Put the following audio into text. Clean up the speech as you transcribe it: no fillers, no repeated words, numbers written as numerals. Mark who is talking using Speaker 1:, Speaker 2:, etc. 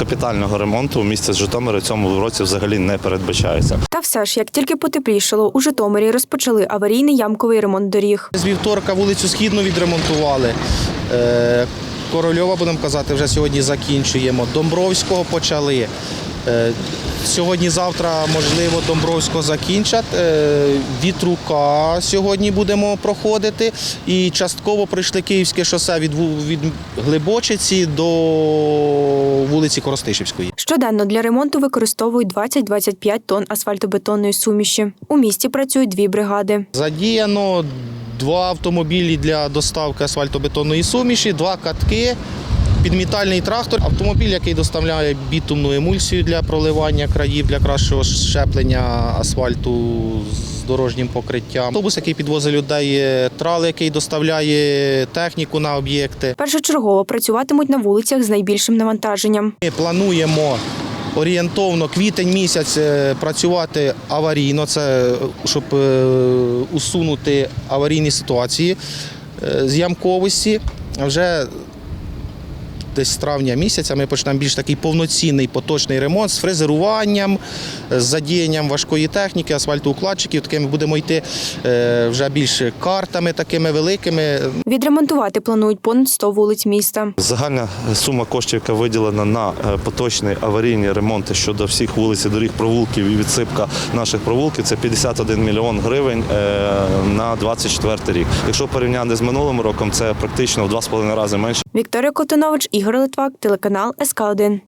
Speaker 1: капітального ремонту у місті Житомирі в цьому році взагалі не передбачається.
Speaker 2: Та все ж, як тільки потеплішало, у Житомирі розпочали аварійний ямковий ремонт доріг.
Speaker 3: З вівторка вулицю Східну відремонтували. Корольова, будемо казати, вже сьогодні закінчуємо. Домбровського почали. Сьогодні-завтра, можливо, Домбровського закінчать. Вітрука сьогодні будемо проходити. І частково пройшли Київське шосе від Глибочиці до вулиці Коростишівської.
Speaker 2: Щоденно для ремонту використовують 20-25 тонн асфальтобетонної суміші. У місті працюють 2 бригади.
Speaker 3: Задіяно 2 автомобілі для доставки асфальтобетонної суміші, 2 катки, підмітальний трактор, автомобіль, який доставляє бітумну емульсію для проливання країв, для кращого щеплення асфальту з дорожнім покриттям. Автобус, який підвозить людей, трал, який доставляє техніку на об'єкти.
Speaker 2: Першочергово працюватимуть на вулицях з найбільшим навантаженням.
Speaker 3: Ми плануємо орієнтовно квітень місяць працювати аварійно, це щоб усунути аварійні ситуації з ямковості. Вже десь з травня місяця ми почнемо більш такий повноцінний поточний ремонт з фрезеруванням, з задіянням важкої техніки, асфальтоукладчиків. Такими будемо йти вже більш картами такими великими.
Speaker 2: Відремонтувати планують понад 100 вулиць міста.
Speaker 1: Загальна сума коштів, яка виділена на поточні аварійні ремонти щодо всіх вулиць і доріг, провулків і відсипка наших провулків, це 51 мільйон гривень на 24 рік. Якщо порівняти з минулим роком, це практично в 2,5 рази менше.
Speaker 2: Вікторія Котонович, Ігор Литвак, телеканал СК1.